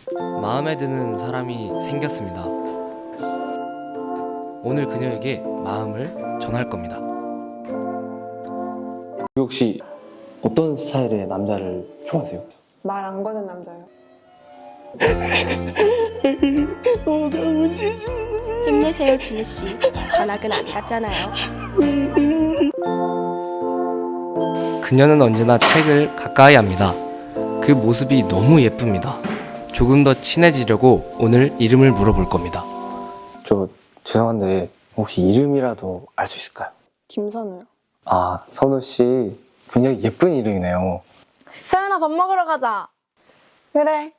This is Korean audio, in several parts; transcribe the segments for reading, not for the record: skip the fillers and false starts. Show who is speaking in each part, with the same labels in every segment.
Speaker 1: 마음에 드는 사람이 생겼습니다. 오늘 그녀에게 마음을 전할 겁니다.
Speaker 2: 혹시 어떤 스타일의 남자를 좋아하세요?
Speaker 3: 말 안 거는 남자요.
Speaker 4: 힘내세요, 진우 씨. 전학은 안 갔잖아요.
Speaker 1: 그녀는 언제나 책을 가까이 합니다. 그 모습이 너무 예쁩니다. 조금 더 친해지려고 오늘 이름을 물어볼 겁니다.
Speaker 2: 저 죄송한데 혹시 이름이라도 알 수 있을까요?
Speaker 3: 김선우요.
Speaker 2: 아, 선우 씨 굉장히 예쁜 이름이네요.
Speaker 3: 서연아 밥 먹으러 가자. 그래.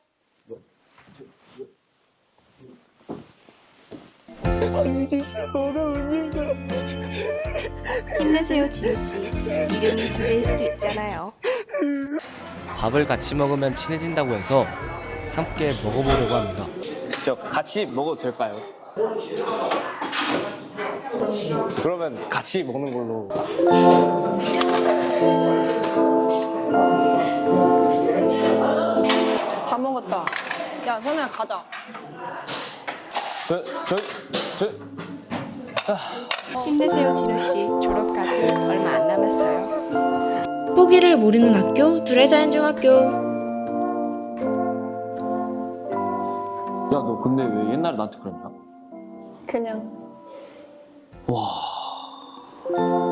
Speaker 4: 힘내세요, 진우 씨. 이름이 두 개일 수도 있잖아요.
Speaker 1: 밥을 같이 먹으면 친해진다고 해서 함께 먹어보려고 합니다.
Speaker 2: 저 같이 먹어도 될까요? 그러면 같이 먹는 걸로.
Speaker 3: 밥 먹었다. 야 선우야 가자.
Speaker 4: 힘내세요, 진우 씨. 졸업까지 얼마 안 남았어요.
Speaker 5: 포기를 모르는 학교 두레자연중학교.
Speaker 2: 야, 너 근데 왜 옛날에 나한테 그랬냐?
Speaker 3: 그냥.
Speaker 2: 와.